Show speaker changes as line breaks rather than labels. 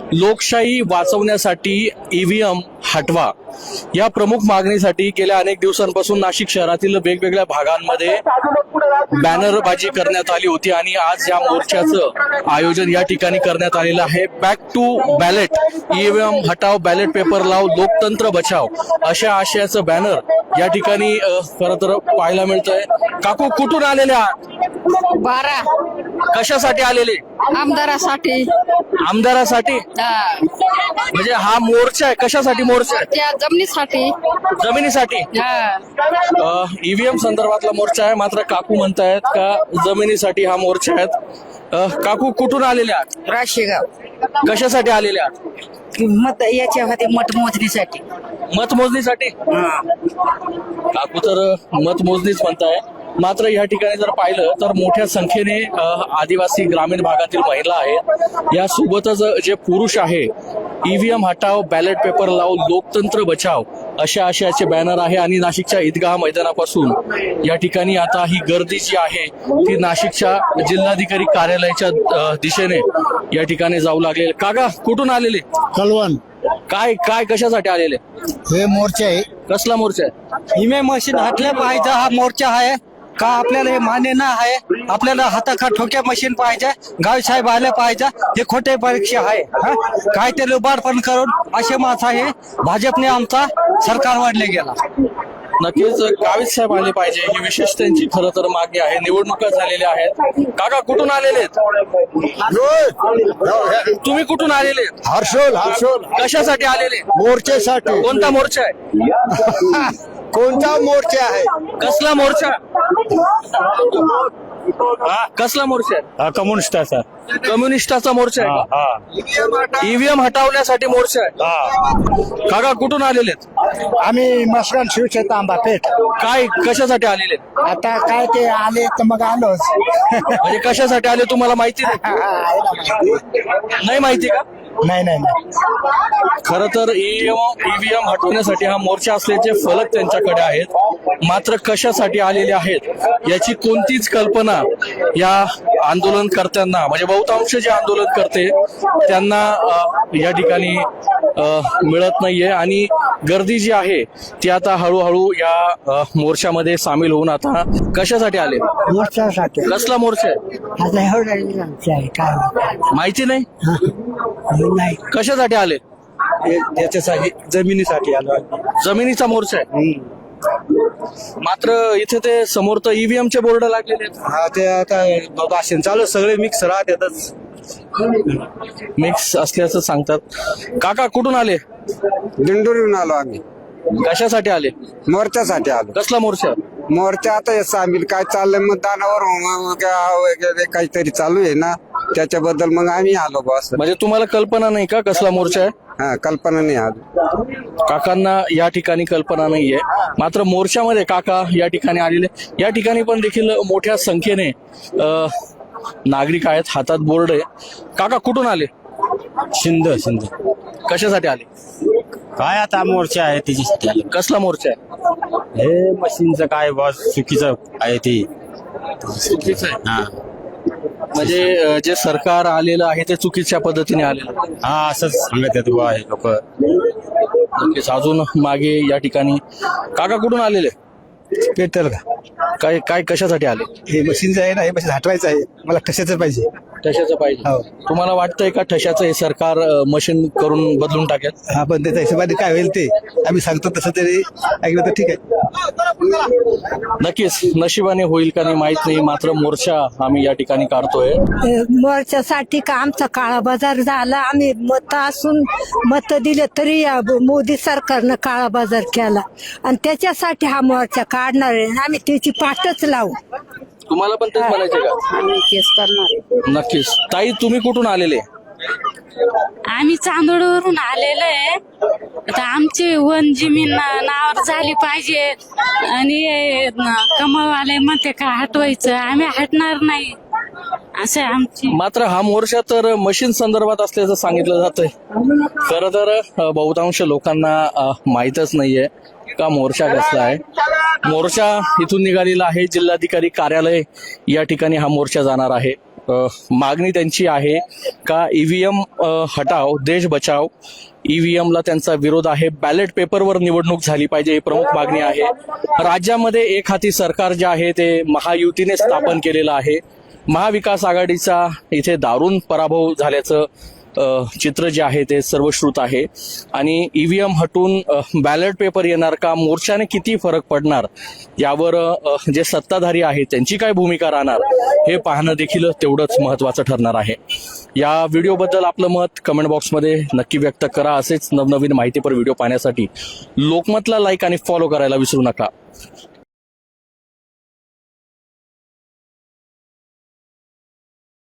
लोकशाही वाचवण्यासाठी ईव्हीएम हटवा या प्रमुख मागणीसाठी गेल्या अनेक दिवसांपासून नाशिक शहरातील वेगवेगळ्या भागांमध्ये बॅनरबाजी करण्यात आली होती आणि आज या मोर्चाचं आयोजन या ठिकाणी करण्यात आलेलं आहे. बॅक टू बॅलेट, ईव्हीएम हटाव, बॅलेट पेपर लाव, लोकतंत्र बचाव अशा आशयाचं बॅनर या ठिकाणी खरं तर पाहायला मिळतंय. काकू कुठून आलेल्या?
12
कशासाठी आलेले?
आमदारासाठी.
आमदारासाठी? म्हणजे हा मोर्चा आहे, कशासाठी मोर्चा आहे?
त्या जमिनीसाठी.
जमिनीसाठी? ईव्हीएम संदर्भातला मोर्चा आहे, मात्र काकू म्हणतायत का जमिनीसाठी हा मोर्चा आहे. काकू कुठून आलेल्या?
राशीगाव.
कशासाठी आलेल्या?
मत याच्यामध्ये मतमोजणीसाठी.
मतमोजणीसाठी? काकू तर मतमोजणीच म्हणताय, मात्र या ठिकाणी जर पाहिलं तर मोठ्या संख्येने आदिवासी ग्रामीण भागातील महिला आहेत. यासोबतच जे पुरुष आहे, ईव्हीएम हटाव, बॅलेट पेपर लाव, लोकतंत्र बचाव अशा आशयाचे बॅनर आहे आणि नाशिकच्या ईदगाह मैदानापासून या ठिकाणी आता ही गर्दी जी आहे ती नाशिकच्या जिल्हाधिकारी कार्यालयाच्या दिशेने या ठिकाणी जाऊ लागले. काका कुठून आलेले?
कलवण.
काय काय कशासाठी आलेले?
हे मोर्चा आहे.
कसला मोर्चा आहे?
इमे मशीन हटले पाहिजे हा मोर्चा आहे का? आपल्याला हे मान्य नाही आहे. आपल्याला हाताखात ठोक्या मशीन पाहिजे, गाव साहेब आले पाहिजे. हे खोटे परीक्षा आहे. काय ते लुबाडपण करून असे माणसं आहे. भाजपने आमचा सरकार वाढले गेला.
नक्कीच गावित साहेब आले पाहिजे ही विशेष त्यांची खरं तर मागणी आहे. निवडणुका झालेल्या आहेत. काका कुठून आलेले? तुम्ही कुठून आलेले?
हर्षोल.
कशासाठी आलेले?
मोर्चेसाठी.
कोणता मोर्चा आहे?
कोणता मोर्चा आहे?
कसला मोर्चा? कसला मोर्चा आहे?
कम्युनिस्टाचा.
कम्युनिस्टाचा मोर्चा आहे का? ईव्हीएम हटवण्यासाठी मोर्चा आहे. काका कुठून आलेले?
आम्ही मसगान शिवछेत्र आंबापेठ.
काय कशासाठी आलेले?
आता काय ते आले तर मग आलोच.
म्हणजे कशासाठी आले तुम्हाला माहिती नाही माहिती का?
नाही.
खरं तर ईव्हीएम हटवण्यासाठी हा मोर्चा असल्याचे फलक त्यांच्याकडे आहेत, मात्र कशासाठी आलेले आहेत याची कोणतीच कल्पना या आंदोलनकर्त्यांना, म्हणजे बहुतांश जे आंदोलन करते त्यांना या ठिकाणी मिळत नाहीये. आणि गर्दी जी आहे ती आता हळूहळू या मोर्चामध्ये सामील होऊन आता कशासाठी आले?
मोर्चासाठी.
कसला मोर्चा आहे?
आता एवढं काय
माहिती नाही.
नाही.
कशासाठी आले?
याच्यासाठी जमिनीसाठी आलो.
जमिनीचा मोर्चा आहे, मात्र इथे ते समोर तर ईव्हीएमचे बोर्ड लागलेले आहेत.
हा ते आता भाषण चालू सगळे मिक्स राहतातच.
मिक्स असल्याचं सांगतात. काका कुठून आले?
दिंडोरीहून आलो आम्ही.
कशासाठी आले?
मोर्चासाठी आलो.
कसला मोर्चा?
मोर्चा आता हे सामील काय चाललंय मतदानावर वगैरे काहीतरी चालू आहे ना, त्याच्याबद्दल मग आम्ही आलो बस.
म्हणजे तुम्हाला कल्पना नाही का कसला मोर्चा आहे?
हा, कल्पना नाही आली.
काकांना या ठिकाणी कल्पना नाहीये, मात्र मोर्चामध्ये काका या ठिकाणी आलेले. या ठिकाणी पण देखील मोठ्या संख्येने नागरिक आहेत, हातात बोर्ड आहे. काका कुठून आले?
शिंद.
कशासाठी आले?
काय आता मोर्चा आहे त्याच्यासाठी आलो.
कसला मोर्चा आहे?
हे मशीनचं काय बॉस चुकीचं आहे ते.
चुकीचं आहे.
हा
म्हणजे जे सरकार आलेलं आहे ते चुकीच्या पद्धतीने आलेलं आहे.
हा असंच सांगत आहेत बुवा हे लोक.
नक्कीच. अजून मागे या ठिकाणी काका कुठून आलेले?
पेटल का?
काय काय कशासाठी आले?
हे मशीनचं आहे ना, हे मशीन हटवायचं आहे. मला कशाचं पाहिजे?
ठशाचं पाहिजे.
हो.
तुम्हाला वाटतंय का ठशाचं हे सरकार मशीन करून बदलून टाकेल?
हा, पण त्याच्या हिशोबाने काय होईल ते आम्ही सांगतो तसं तरी ऐकलं तर ठीक आहे.
नक्कीच नशिबाने होईल का नाही माहित नाही, मात्र मोर्चा आम्ही या ठिकाणी काढतोय.
मोर्चासाठी का आमचा काळा बाजार झाला. आम्ही मत असून मत दिले तरी या मोदी सरकारनं काळा बाजार केला आणि त्याच्यासाठी हा मोर्चा काढणार आहे. आम्ही त्याची पाठच लावू.
तुम्हाला पण तेच म्हणायचे का?
आम्ही केस करणार आहे.
नक्कीच. ताई तुम्ही कुठून आलेले?
आम्ही चांदोडवरून आलेलो आहे. आता आमची वन जमीन नावावर झाली पाहिजे आणि कमळवाले म्हणते का हटवायचं, आम्ही हटणार नाही असं आमची.
मात्र हा मोर्चा तर मशीन संदर्भात असल्याचं सांगितलं जातंय. खरं तर बहुतांश लोकांना माहीतच नाहीये का मोर्चा कसला आहे. मोर्चा इथून निघालेला आहे. जिल्हाधिकारी कार्यालय या ठिकाणी हा मोर्चा जाणार आहे. मागणी त्यांची आहे का ईव्हीएम हटाव देश बचाव, ईव्हीएमला त्यांचा विरोध आहे, बॅलेट पेपरवर निवडणूक झाली पाहिजे ही प्रमुख मागणी आहे. राज्यामध्ये एक हाती सरकार जे आहे ते महायुतीने स्थापन केलेलं आहे. महाविकास आघाडीचा इथे दारुण पराभव झाल्याचं चित्र जे आहे ते सर्वश्रुत आहे. आणि ईव्हीएम हटून बॅलेट पेपर येणार का, मोर्चाने किती फरक पडणार, यावर जे सत्ताधारी आहेत त्यांची काय भूमिका राहणार हे पाहणं देखील तेवढंच महत्त्वाचं ठरणार आहे. या व्हिडिओबद्दल आपलं मत कमेंट बॉक्समध्ये नक्की व्यक्त करा. असेच नवनवीन माहितीपर व्हिडिओ पाहण्यासाठी लोकमतला लाईक आणि फॉलो करायला विसरू नका.